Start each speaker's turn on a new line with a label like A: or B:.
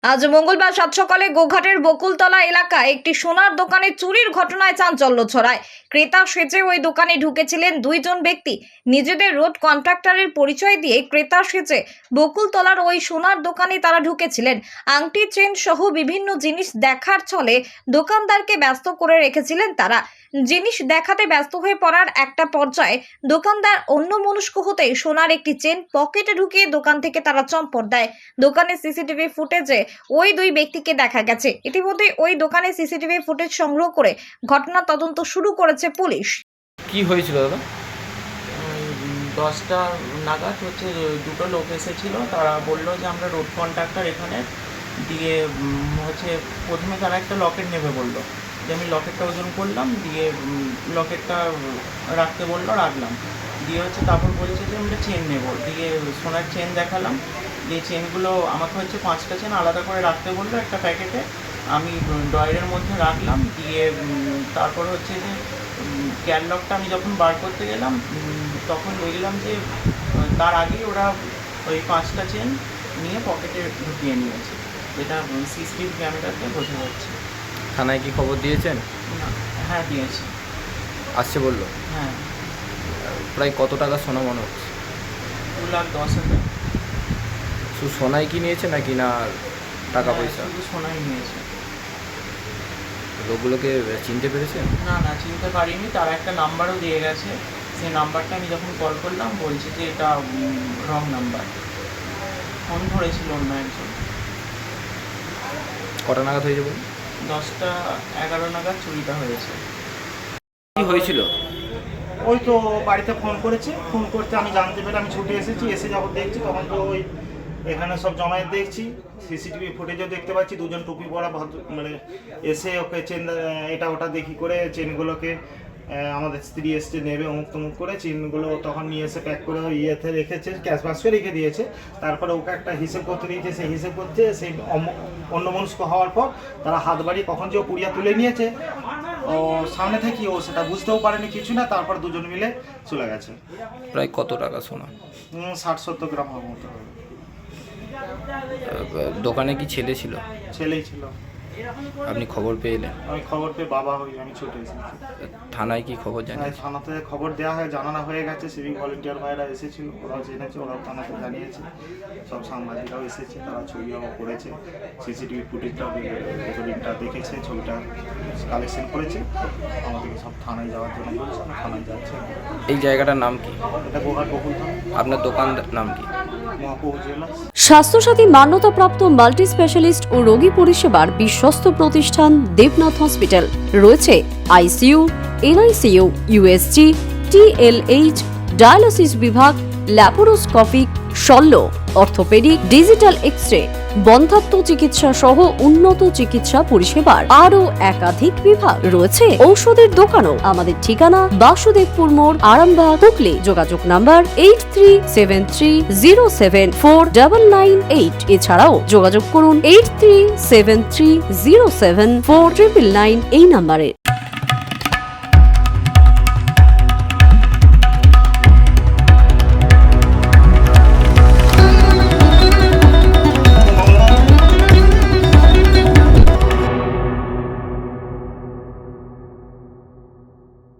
A: আজ মঙ্গলবার সাত সকালে গোঘাটের বকুলতলা এলাকায় একটি সোনার দোকানে চুরির ঘটনায় চাঞ্চল্য ছড়ায়। ক্রেতা সেজে ওই দোকানে ঢুকেছিলেন দুইজন ব্যক্তি। নিজেদের রোড কন্ট্রাক্টরের পরিচয় দিয়ে ক্রেতা সেজে বকুলতলার ওই সোনার দোকানে তারা ঢুকেছিলেন। আংটি, চেন সহ বিভিন্ন জিনিস দেখার ছলে দোকানদারকে ব্যস্ত করে রেখেছিলেন তারা। জিনিস দেখাতে ব্যস্ত হয়ে পড়ার একটা পর্যায়ে দোকানদার অন্যমনস্ক হতেই সোনার একটি চেন পকেটে ঢুকিয়ে দোকান থেকে তারা চম্পট দেয়। দোকানের সিসিটিভি ফুটেজে ওই দুই ব্যক্তিকে দেখা গেছে। ইতিমধ্যে ওই দোকানে সিসিটিভি ফুটেজ সংগ্রহ করে ঘটনা তদন্ত শুরু করেছে পুলিশ।
B: কি হয়েছিল দাদা?
C: 10টা নাগাদ দুটো লোক এসেছিল। তারা বললো যে আমরা রোড কন্ট্রাক্টর এখানে দিয়ে প্রথমে তারা একটা লকেট নেবে বললো, যে আমি লকেটটা ওজন করলাম, দিয়ে লকেটটা রাখতে বললো, রাখলাম। দিয়ে তারপর বলছে যে আমরা চেন নেব, দিয়ে সোনার চেন দেখালাম। দিয়ে চেনগুলো আমাকে 5টা চেন আলাদা করে রাখতে বললো একটা প্যাকেটে। আমি ড্রয়ারের মধ্যে রাখলাম। দিয়ে তারপর যে ক্যাটলগটা আমি যখন বার করতে গেলাম তখন দেখলাম যে তার আগেই ওরা ওই 5টা চেন নিয়ে পকেটে ঢুকিয়ে নিয়েছে, যেটা সিসিটিভি ক্যামেরাতে বোঝা যাচ্ছে।
B: থানায় কি খবর দিয়েছেন?
C: না, হ্যাঁ দিয়েছি।
B: আসছে বললো?
C: হ্যাঁ।
B: প্রায় কত টাকা সোনা মনে হচ্ছে?
C: 2,10,000।
B: শুধু সোনাই কি নিয়েছে নাকি না টাকা পয়সা?
C: শুধু সোনাই নিয়েছে।
B: লোকগুলোকে চিনতে পেরেছেন?
C: না, চিনতে পারিনি। তারা একটা নাম্বারও দিয়ে গেছে। সেই নাম্বারটা আমি যখন কল করলাম বলছে যে এটা রং নাম্বার। ফোন ধরেছিল অন্য একজন।
B: কটা নাগাদ হয়েছে বলুন?
C: 10টা 11 নাগাদ চুরিটা হয়েছে।
B: কি হয়েছিল?
D: ওই তো বাড়িতে ফোন করেছে, ফোন করতে আমি জানতে পেরে আমি ছুটে এসেছি। এসে যখন দেখছি তখন তো ওই এখানে সব জমায়েত দেখছি, সিসিটিভি ফুটেজও দেখতে পাচ্ছি। দুজন টুপি পরা এসে ওকে চেন এটা ওটা দেখি করে চেনগুলোকে আমাদের স্ত্রী এসছে নেবে অমুক তমুক করে চেনগুলো তখন নিয়ে এসে প্যাক করে ইয়েতে রেখেছে, ক্যাশ বাক্সে রেখে দিয়েছে। তারপরে ওকে একটা হিসেব করতে দিয়েছে, সেই হিসেব করতে সেই অন্যমনস্ক হওয়ার পর তারা হাত বাড়িয়ে কখন যে ও পুড়িয়া তুলে নিয়েছে ও সামনে থেকে ও সেটা বুঝতেও পারেনি কিছু না। তারপর দুজন মিলে চলে গেছে।
B: প্রায় কত টাকা সোনা?
D: 60-70 গ্রাম হওয়ার মতো হবে।
B: দোকানে কি ছেলে ছিল?
D: ছেলেই ছিল।
B: আপনি খবর পেলেন?
D: আমি খবর পেয়ে বাবা হই, আমি ছুটে এসেছি।
B: থানায় কি খবর জানেন?
D: থানাতে খবর দেওয়া হয়, জানানো হয়ে গেছে। সিভিক ভলেন্টিয়ার ভাইরা এসেছিল, ওরাও জেনেছে, ওরাও থানাতে জানিয়েছে। সব সাংবাদিকরাও এসেছে, তারা ছবিও করেছে, সিসিটিভি ফুটেজটাও রেকর্ডিংটা দেখেছে, ছবিটা কালেকশন করেছে। আমাদেরকে সব থানায় যাওয়ার জন্য বলছে, আমি থানায় যাচ্ছি।
B: এই জায়গাটার নাম কি?
D: এটা গোঘাট বকুলতলা।
B: আপনার দোকানটার নাম কি?
D: মহাপ্রভু জুয়েলার্স।
E: স্বাস্থ্যসাথী মান্যতাপ্রাপ্ত মাল্টি স্পেশালিস্ট ও রোগী পরিষেবার বিশ্বস্ত প্রতিষ্ঠান দেবনাথ হসপিটাল। রয়েছে ICU, NICU, USG, TLH, dialysis বিভাগ, ল্যাপারোস্কোপিক, শল্য, অর্থোপেডিক, ডিজিটাল এক্স-রে, বন্ধ্যাত্ব চিকিৎসা সহ উন্নত চিকিৎসা পরিষেবার আরও একাধিক বিভাগ রয়েছে। ঔষধের দোকানও। আমাদের ঠিকানা বাসুদেবপুর মোড়, আরামবাগ, হুগলি। যোগাযোগ নাম্বার 8373074998। এছাড়াও যোগাযোগ করুন 8373074999 এই নাম্বারে।